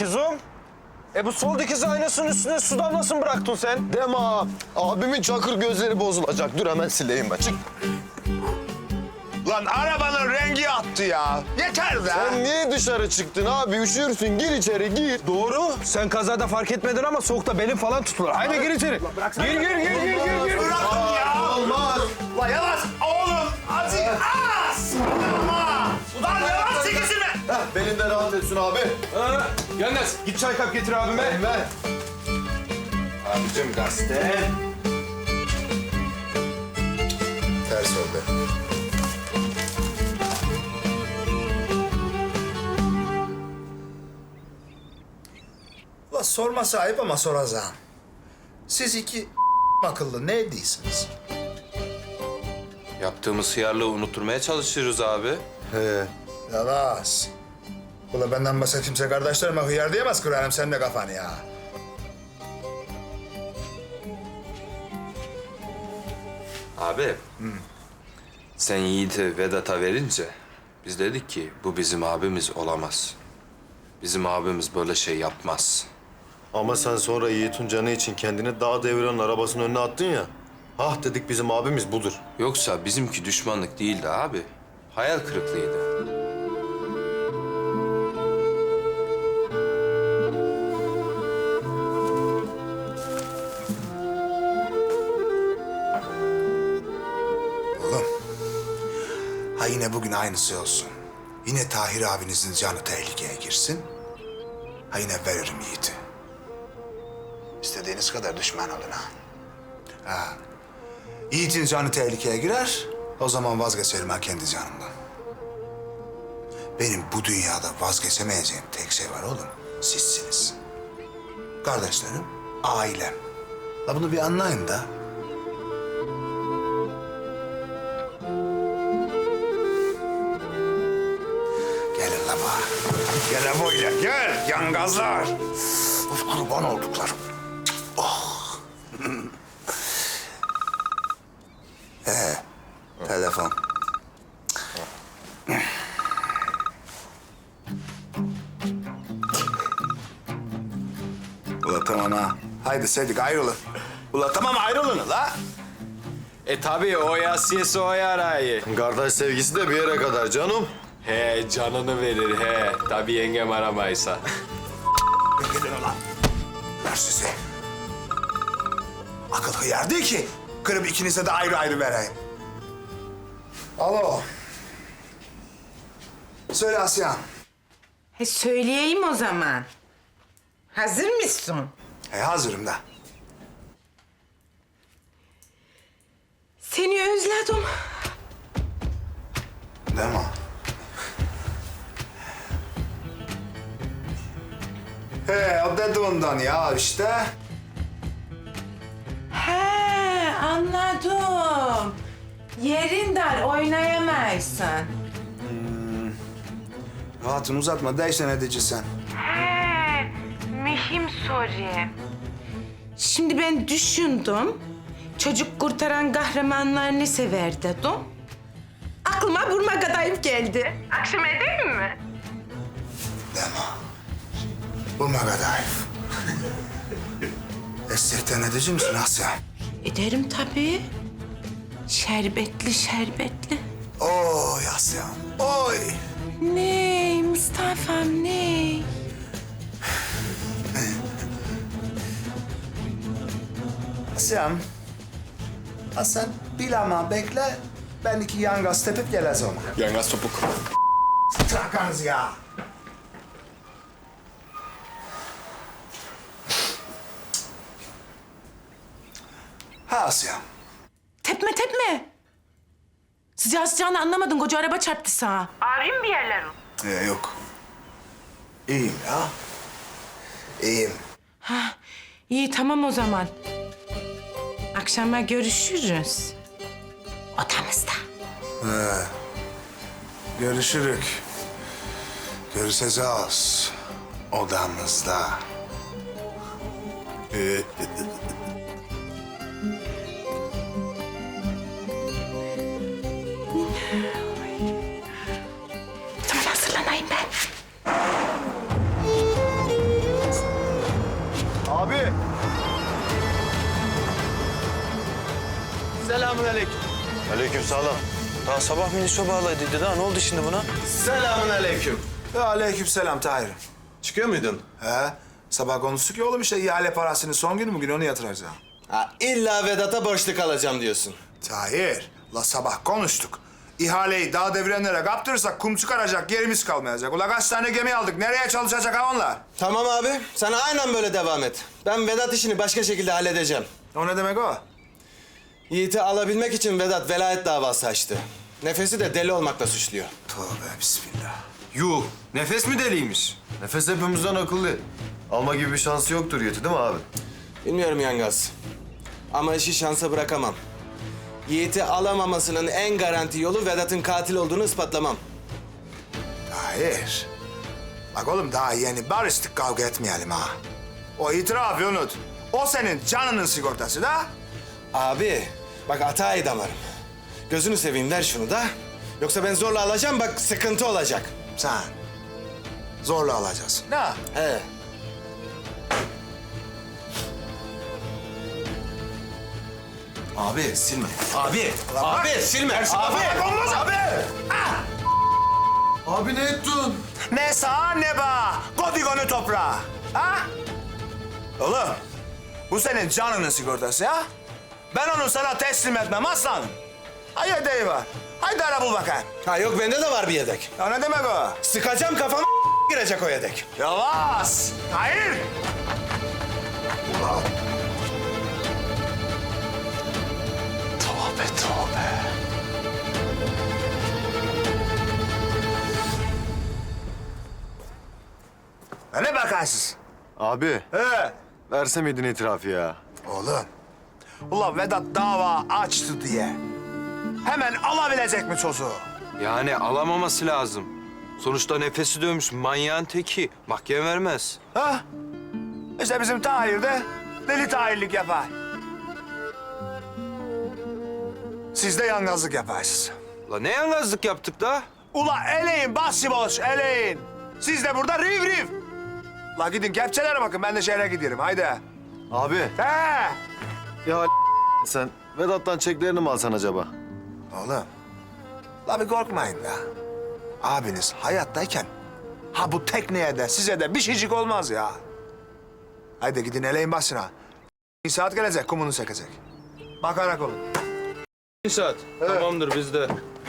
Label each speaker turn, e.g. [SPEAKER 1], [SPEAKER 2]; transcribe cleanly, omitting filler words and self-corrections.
[SPEAKER 1] dikizim. Bu sol dikiz aynasının üstüne su damlasını bıraktın sen.
[SPEAKER 2] Deme ha. Abimin çakır gözleri bozulacak. Dur hemen sileyim ben. Çık.
[SPEAKER 3] Lan arabanın rengi attı ya. Yeter be.
[SPEAKER 2] Sen niye dışarı çıktın abi? Üşürsün. Gir içeri gir.
[SPEAKER 1] Doğru. Sen kazada fark etmedin ama soğukta belin falan tutulur. Haydi gir içeri. Gir.
[SPEAKER 3] Bırakın ya.
[SPEAKER 2] Olmaz.
[SPEAKER 3] Ulan yavaş oğlum. Azıcık az. Ulan yavaş çekişini.
[SPEAKER 2] Belinde rahat etsin abi.
[SPEAKER 1] Yalnız git çay kap getir abime.
[SPEAKER 2] Ver.
[SPEAKER 1] Abicim gazete.
[SPEAKER 2] Ters oldu.
[SPEAKER 3] Ulan sorması ayıp ama soracağım. Siz iki akıllı ne değilsiniz?
[SPEAKER 4] Yaptığımız hıyarlığı unutturmaya çalışıyoruz abi.
[SPEAKER 2] He.
[SPEAKER 3] Yavaş. Ulan benden başka kimse kardeşlerime hıyar diyemez kırarım sen de kafanı ya.
[SPEAKER 4] Abi. Sen Yiğit'i Vedat'a verince biz dedik ki bu bizim abimiz olamaz. Bizim abimiz böyle şey yapmaz.
[SPEAKER 2] Ama sen sonra Yiğit'in canı için kendini dağ deviren arabasının önüne attın ya. Ah dedik bizim abimiz budur.
[SPEAKER 4] Yoksa bizimki düşmanlık değildi abi. Hayal kırıklığıydı.
[SPEAKER 3] Oğlum. Ha yine bugün aynısı olsun. Yine Tahir abinizin canı tehlikeye girsin. Ha yine veririm Yiğit'i. İstediğiniz kadar düşman olun ha. Ha. Yiğit'in canı tehlikeye girer. O zaman vazgeçerim ha kendi canımdan. Benim bu dünyada vazgeçemeyeceğim tek şey var oğlum. Sizsiniz. Kardeşlerim, ailem. La bunu bir anlayın da. Gelin la bana. Gel la böyle, gel yangazlar. Of kurban olduklarım. Oh. Telefon. Ula tamam ha. Haydi Sedik ayrılın. Ula tamam ayrılın la.
[SPEAKER 4] Tabii o yasiyesi o yarayı.
[SPEAKER 2] Kardeş sevgisi de bir yere kadar canım.
[SPEAKER 4] He canını verir he. Tabii yengem aramaysa.
[SPEAKER 3] Gidin ulan. Ver sizi. Akıl hıyar değil ki. Kırıp ikinize de ayrı ayrı vereyim. Alo. Söyle Asya.
[SPEAKER 5] Söyleyeyim o zaman. Hazır mısın?
[SPEAKER 3] Hazırım da.
[SPEAKER 5] Seni özledim.
[SPEAKER 3] Değil mi? O dedi ondan ya işte.
[SPEAKER 5] He, anladım. Yerin dar, oynayamazsın.
[SPEAKER 3] Hatun uzatma, değişen edici sen.
[SPEAKER 5] He, mühim soru. Şimdi ben düşündüm. Çocuk kurtaran kahramanlarını sever dedim. Aklıma Burma Kadayıf geldi. Akşam edeyim mi?
[SPEAKER 3] Deme. Bulma Kadayıf. Esirten edici misin Asya?
[SPEAKER 5] Ederim tabii. Şerbetli şerbetli.
[SPEAKER 3] Oy Asya, oy.
[SPEAKER 5] Ney Mustafa'm ney?
[SPEAKER 3] Asya'm. Ha sen bil ama bekle. Ben iki yangaz tepip geleceğim.
[SPEAKER 4] Yangaz topuk.
[SPEAKER 3] Trakanız ya. Ha Asya.
[SPEAKER 5] Tepme tepme. Sıcağı sıcağını anlamadın. Koca araba çarptı sağa. Ağrıyor bir yerlerin?
[SPEAKER 3] Yok. İyiyim ya. İyiyim.
[SPEAKER 5] Ha, iyi tamam o zaman. Akşama görüşürüz. Odamızda.
[SPEAKER 3] Görüşürük. Görüşeceğiz. Odamızda.
[SPEAKER 5] Tamam hazırlanayım ben.
[SPEAKER 1] Aleykümselam. Daha sabah minisyo bağladıydı da ne oldu şimdi buna?
[SPEAKER 6] Selamun aleyküm.
[SPEAKER 3] Aleykümselam Tahir'im.
[SPEAKER 6] Çıkıyor muydun?
[SPEAKER 3] He, sabah konuştuk ya oğlum işte ihale parasının son günü bugün onu yatıracağım.
[SPEAKER 6] Ha, illa Vedat'a borçlu kalacağım diyorsun.
[SPEAKER 3] Tahir, la sabah konuştuk. İhaleyi dağ devirenlere kaptırırsak kum çıkaracak yerimiz kalmayacak. Ula kaç tane gemi aldık, nereye çalışacak ha onlar?
[SPEAKER 6] Tamam abi, sen aynen böyle devam et. Ben Vedat işini başka şekilde halledeceğim.
[SPEAKER 3] O ne demek o?
[SPEAKER 6] Yiğit'i alabilmek için Vedat velayet davası açtı. Nefesi de deli olmakla suçluyor.
[SPEAKER 3] Tövbe bismillah.
[SPEAKER 4] Yuh, nefes mi deliymiş?
[SPEAKER 2] Nefes hepimizden akıllı. Alma gibi bir şansı yoktur Yiğit'i değil mi abi?
[SPEAKER 6] Bilmiyorum Yangaz. Ama işi şansa bırakamam. Yiğit'i alamamasının en garanti yolu Vedat'ın katil olduğunu ispatlamam.
[SPEAKER 3] Tahir. Bak oğlum daha yeni barıştık, kavga etmeyelim ha. O itirafı unut. O senin canının sigortası da.
[SPEAKER 6] Abi, bak hatayı damarım. Gözünü seveyim ver şunu da. Yoksa ben zorla alacağım bak sıkıntı olacak.
[SPEAKER 3] Sen zorla alacaksın. Ne?
[SPEAKER 6] He. Abi silme. Abi, abi silme. Abi,
[SPEAKER 3] Olmaz abi.
[SPEAKER 2] Abi ne ettin?
[SPEAKER 3] Ne sağ ne bağ. Kodigonu toprağa. Ha? Oğlum, bu senin canının sigortası ya. Ben onu sana teslim etmem aslanım. Hay yedeği var. Haydi ara bul bakayım.
[SPEAKER 6] Ha yok bende de var bir yedek.
[SPEAKER 3] Ya ne demek o?
[SPEAKER 6] Sıkacağım kafama girecek o yedek.
[SPEAKER 3] Yavaş. Hayır. Ulan. Tövbe tövbe. Ne bakarsınız?
[SPEAKER 2] Abi
[SPEAKER 3] He.
[SPEAKER 2] verse miydin itirafı ya?
[SPEAKER 3] Oğlum. Ulan Vedat dava açtı diye. Hemen alabilecek mi çocuğu?
[SPEAKER 4] Yani alamaması lazım. Sonuçta nefesi dönmüş manyağın teki. Mahkeme vermez.
[SPEAKER 3] Ha? İşte bizim Tahir de deli Tahirlik yapar. Siz de yangazlık yaparsınız.
[SPEAKER 4] La ne yalnızlık yaptık da?
[SPEAKER 3] Ula eleyin başıboş eleyin. Siz de burada riv riv. La gidin kepçelere bakın, ben de şehre gidiyorum haydi.
[SPEAKER 2] Abi
[SPEAKER 3] He.
[SPEAKER 2] ya sen Vedat'tan çeklerini mi alsan acaba?
[SPEAKER 3] Oğlum. La bir korkmayın ya. Abiniz hayattayken ha bu tekneye de size de bir şeycik olmaz ya. Haydi gidin eleyin başına. Bir saat gelecek kumunu çekecek. Bakarak olun.
[SPEAKER 4] Bir saat. Tamamdır bizde.